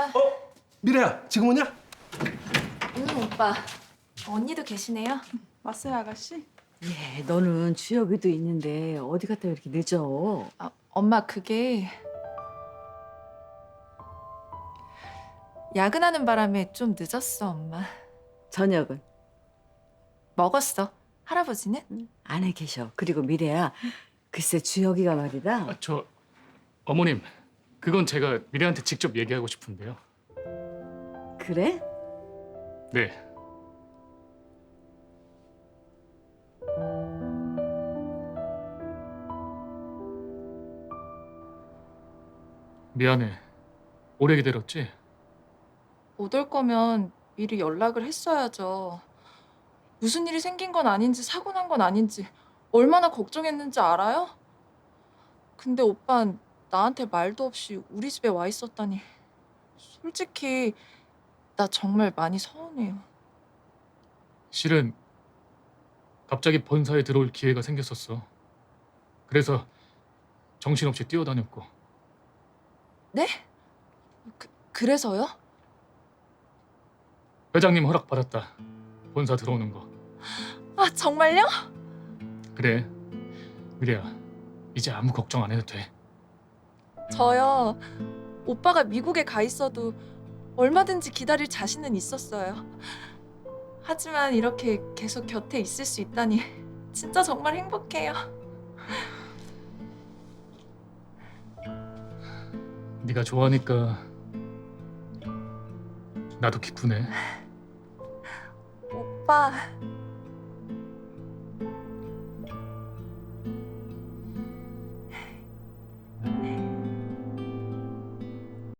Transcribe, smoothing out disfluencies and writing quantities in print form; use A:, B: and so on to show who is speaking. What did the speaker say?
A: 미래야, 지금 오냐?
B: 오빠. 언니도 계시네요?
C: 왔어요, 아가씨?
D: 예, 너는 주혁이도 있는데 어디 갔다 왜 이렇게 늦어?
B: 엄마 그게 야근하는 바람에 좀 늦었어, 엄마.
D: 저녁은
B: 먹었어. 할아버지는?
D: 안에 계셔. 그리고 미래야, 글쎄 주혁이가 말이다.
E: 저 어머님, 그건 제가 미래한테 직접 얘기하고 싶은데요.
D: 그래?
E: 네. 미안해. 오래 기다렸지?
B: 못 올 거면 미리 연락을 했어야죠. 무슨 일이 생긴 건 아닌지 사고 난 건 아닌지 얼마나 걱정했는지 알아요? 근데 오빤 나한테 말도 없이 우리 집에 와 있었다니. 솔직히 나 정말 많이 서운해요.
E: 실은 갑자기 본사에 들어올 기회가 생겼었어. 그래서 정신없이 뛰어다녔고.
B: 네? 그래서요?
E: 회장님 허락 받았다. 본사 들어오는 거.
B: 아, 정말요?
E: 그래. 미래야, 이제 아무 걱정 안 해도 돼.
B: 저요. 오빠가 미국에 가 있어도 얼마든지 기다릴 자신은 있었어요. 하지만 이렇게 계속 곁에 있을 수 있다니 진짜 정말 행복해요.
E: 네가 좋아하니까 나도 기쁘네.
B: 오빠,